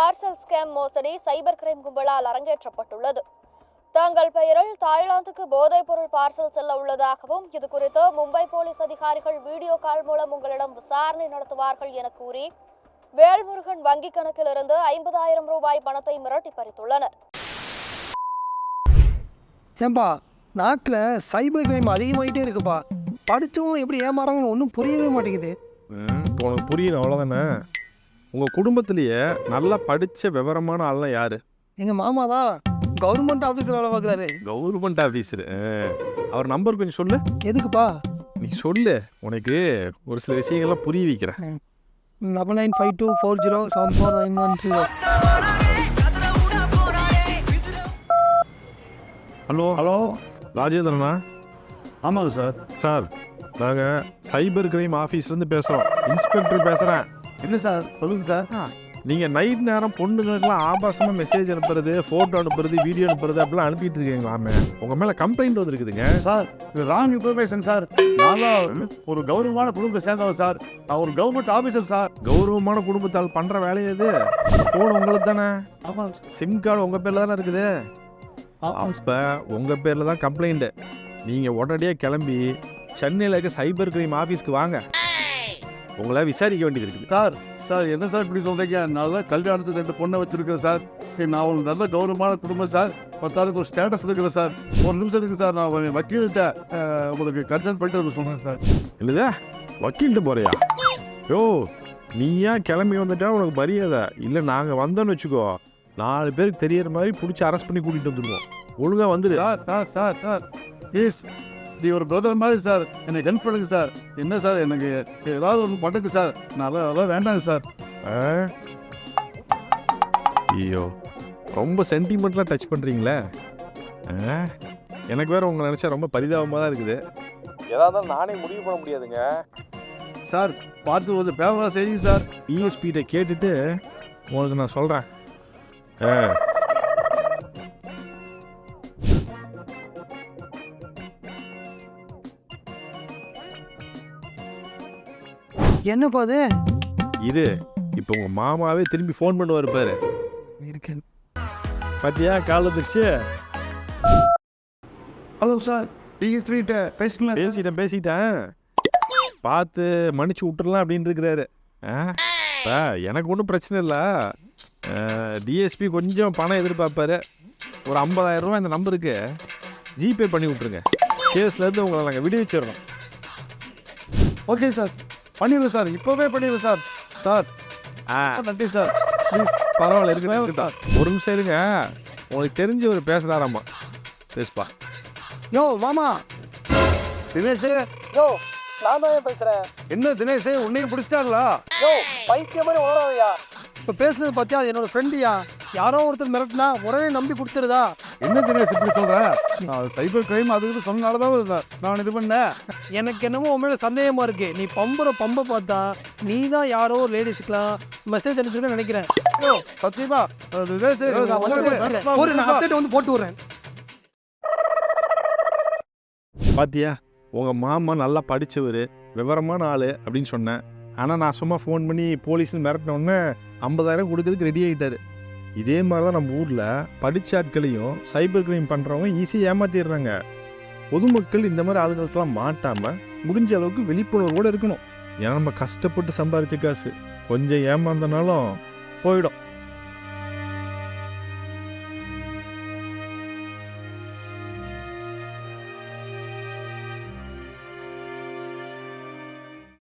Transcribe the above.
Parcel scam மோசடி cyber crime கும்பலால் அரங்கேற்றப்பட்டுள்ளது. தங்கள் பெயரில் தாய்லாந்துக்கு போதைப் பொருள் பார்சல் செல்ல உள்ளதாகவும் இது குறித்து மும்பை போலீஸ் அதிகாரிகள் வீடியோ கால் மூலம் உங்களிடம் விசாரணை நடத்துவார்கள் என கூறி வேல்முருகன் வங்கிக் கணக்கிலிருந்து 50,000 ரூபாய் பணத்தை மிரட்டி பறித்துள்ளனர். ஏன்பா நாட்டில் சைபர் கிரைம் அதிகமாகிட்டே இருக்குப்பா. படித்தவங்க எப்படி ஏமாறாங்கன்னு ஒன்றும் புரியவே மாட்டேங்குது. உனக்கு புரியல அவ்வளோதானே. உங்கள் குடும்பத்திலேயே நல்லா படித்த விவரமான ஆள்லாம் யார்? எங்கள் மாமா தான் கவர்மெண்ட் ஆஃபீஸில் வேலை பார்க்குறாரு. Government officer. அவர் நம்பர் கொஞ்சம் சொல்லு. எதுக்குப்பா? நீ சொல்லு, உனக்கு ஒரு சில விஷயங்கள்லாம் புரிய வைக்கிறேன். 995240749130. ஹலோ ஹலோ, ராஜேந்திரனா? ஆமாங்க சார். சார், நாங்கள் சைபர் கிரைம் ஆஃபீஸ்லேருந்து பேசுகிறோம். இன்ஸ்பெக்டர் பேசுகிறேன். என்ன சார் சொல்லுங்கள் சார். நீங்கள் நைட் நேரம் பொண்ணுங்களுக்கெல்லாம் ஆபாசமாக மெசேஜ் அனுப்புறது, ஃபோட்டோ அனுப்புறது, வீடியோ அனுப்புறது அப்படிலாம் அனுப்பிட்டு இருக்கீங்களாமே. உங்கள் மேலே கம்ப்ளைண்ட் வந்துருக்குதுங்க. சார் இது ராங் இன்ஃபர்மேஷன் சார். நான் தான் ஒரு கௌரவமான குடும்பத்தை சேர்ந்தவன் சார். நான் ஒரு கவர்மெண்ட் ஆஃபீஸர் சார். கௌரவமான குடும்பத்தால் பண்ணுற வேலையை இது. ஃபோன் உங்களுக்கு தானே? ஆமாம். சிம் கார்டு உங்கள் பேரில் தானே இருக்குது. இப்போ உங்கள் பேரில் தான் கம்ப்ளைண்ட்டு. நீங்கள் உடனடியாக கிளம்பி சென்னையில் இருக்க சைபர் கிரைம் ஆஃபீஸ்க்கு வாங்க. உங்களை விசாரிக்க வேண்டியது இருக்குது. சார் சார் என்ன சார் இப்படி சொல்கிறீங்க? நான் தான் கல்யாணத்துக்கு 2 பொண்ணை வச்சுருக்கேன் சார். நான் ஒரு நல்ல கௌரவமான குடும்பம் சார். 10 ஒரு ஸ்டேட்டஸ் இருக்கிறேன் சார். ஒரு நிமிஷம் இருக்குது சார். நான் வக்கீல்கிட்ட உங்களுக்கு கன்சல்ட் பண்ணிட்டு சொல்கிறேன் சார். இல்லைதா வக்கீல்கிட்ட போறியா? யோ, நீ ஏன் கிளம்பி வந்துட்டா உனக்கு மரியாதை இல்லை. நாங்கள் வந்தோன்னு வச்சுக்கோ, 4 பேருக்கு தெரியற மாதிரி பிடிச்சி அரெஸ்ட் பண்ணி கூட்டிகிட்டு வந்துடுவோம். ஒழுங்காக வந்துடு. Sir sir sir sir please, நீ ஒரு பிரதர் மாதிரி சார். எனக்கு ஹெல்ப் பண்ணுங்க சார். என்ன சார், எனக்கு ஏதாவது ஒன்று பண்ணுங்க சார். நான் அதெல்லாம் வேண்டாங்க சார். ஐயோ, ரொம்ப சென்டிமெண்ட்லாம் டச் பண்ணுறீங்களே. எனக்கு வேற உங்களை நினச்சா ரொம்ப பரிதாபமாக தான் இருக்குது. ஏதாவது நானே முடிவு பண்ண முடியாதுங்க சார். பார்த்து ஒரு பேப்பராக செய்யுங்க சார். இஎஸ்பிகிட்ட கேட்டுட்டு உங்களுக்கு நான் சொல்கிறேன். என்னப்பா அது? இரு, இப்போ உங்கள் மாமாவே திரும்பி ஃபோன் பண்ணுவார் பாரு. இருக்கேன். பார்த்தியா, கால் வந்துருச்சு. ஹலோ சார், டிஎஸ்பிகிட்ட பேசிக்கலாம். பேசிட்டேன். பார்த்து மன்னிச்சு விட்டுறலாம் அப்படின்னு இருக்கிறாரு. இப்போ எனக்கு ஒன்றும் பிரச்சனை இல்லை. டிஎஸ்பி கொஞ்சம் பணம் எதிர்பார்ப்பாரு. ஒரு 50,000 ரூபா இந்த நம்பருக்கு ஜிபே பண்ணி விட்ருங்க. கேஸ்லேருந்து உங்களை நாங்கள் விடுவிச்சிடுறோம். ஓகே சார், பண்ணிடுறேன் சார். இப்போவே பண்ணிடுறேன் சார். சார் நன்றி சார். ப்ளீஸ் பரவாயில்ல, இருக்கு சார். ஒரு நிமிஷம் இருங்க. உங்களுக்கு தெரிஞ்ச ஒரு பேசுகிறாராம்மா, பேசுப்பா. யோ மாமா. தினேஷ். யோ நான் தான் பேசுகிறேன். என்ன தினேஷ், உன்னையும் பிடிச்சிட்டாங்களா? யோ பைத்தியம் மாதிரி உணராதையா. இப்போ பேசுனது பார்த்தியா, அது என்னோட ஃப்ரெண்டுயா. யாரோ ஒருத்தர் மிரட்டினா உடனே நம்பி கொடுத்துருதா. என்ன தினேஷ் இப்படி சொல்கிற? நான் சைபர் கிரைம் அதுக்கு சொன்னனால தான் நான் இது பண்ணேன். எனக்கு என்னமோ உன் மேலே சந்தேகமாக இருக்கு. நீ பம்பை பார்த்தா நீ தான் யாரோ லேடிஸுக்கெலாம் மெசேஜ் அனுப்பிச்சிருக்கேன்னு நினைக்கிறேன். யோ சத்தியமா தினேஷ், ஒரு நான் அப்டேட் வந்து போட்டு விட்றேன். பாத்தியா, உங்கள் மாமா நல்லா படித்தவர், விவரமான ஆள் அப்படின்னு சொன்னேன். ஆனால் நான் சும்மா ஃபோன் பண்ணி போலீஸ்னு மிரட்டினோடனே 50,000 கொடுக்கறதுக்கு ரெடி ஆகிட்டார். இதே மாதிரி தான் நம்ம ஊரில் படித்த ஆட்களையும் சைபர் கிரைம் பண்ணுறவங்க ஈஸியாக ஏமாற்றிடுறாங்க. பொதுமக்கள் இந்த மாதிரி ஆளுங்களுக்கெல்லாம் மாட்டாமல் முடிஞ்ச அளவுக்கு விழிப்புணர்வோடு இருக்கணும். ஏன்னா நம்ம கஷ்டப்பட்டு சம்பாரித்த காசு கொஞ்சம் ஏமாந்தனாலும் போயிடும்.